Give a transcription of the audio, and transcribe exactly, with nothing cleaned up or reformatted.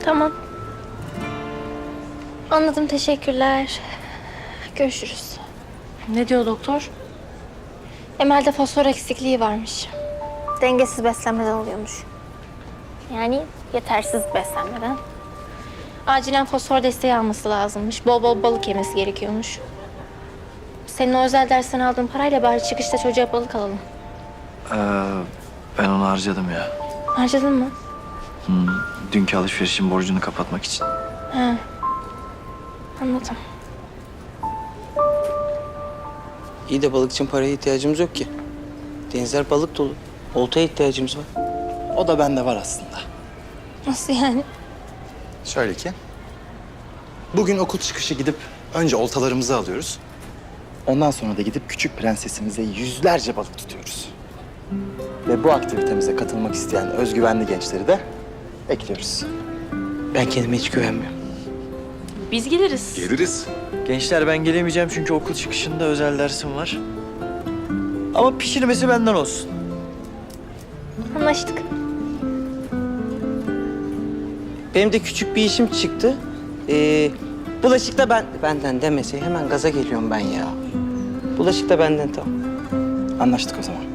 Tamam. Anladım, teşekkürler. Görüşürüz. Ne diyor doktor? Emel'de fosfor eksikliği varmış. Dengesiz beslenmeden oluyormuş. Yani yetersiz beslenmeden. Acilen fosfor desteği alması lazımmış. Bol bol balık yemesi gerekiyormuş. Senin o özel dersten aldığın parayla bari çıkışta çocuğa balık alalım. Ee, ben onu harcadım ya. Harcadın mı? Hmm, dünkü alışverişin borcunu kapatmak için. Ha. Anladım. İyi de balık için paraya ihtiyacımız yok ki. Denizler balık dolu. Oltaya ihtiyacımız var. O da bende var aslında. Nasıl yani? Şöyle ki, bugün okul çıkışı gidip önce oltalarımızı alıyoruz. Ondan sonra da gidip küçük prensesimize yüzlerce balık tutuyoruz. Ve bu aktivitemize katılmak isteyen özgüvenli gençleri de ekliyoruz. Ben kendime hiç güvenmiyorum. Biz geliriz. Geliriz. Gençler ben gelemeyeceğim çünkü okul çıkışında özel dersim var. Ama pişirmesi benden olsun. Anlaştık. Benim de küçük bir işim çıktı. Ee, bulaşık da ben... Benden demese hemen gaza geliyorum ben ya. Bulaşık da benden, tamam. Anlaştık o zaman.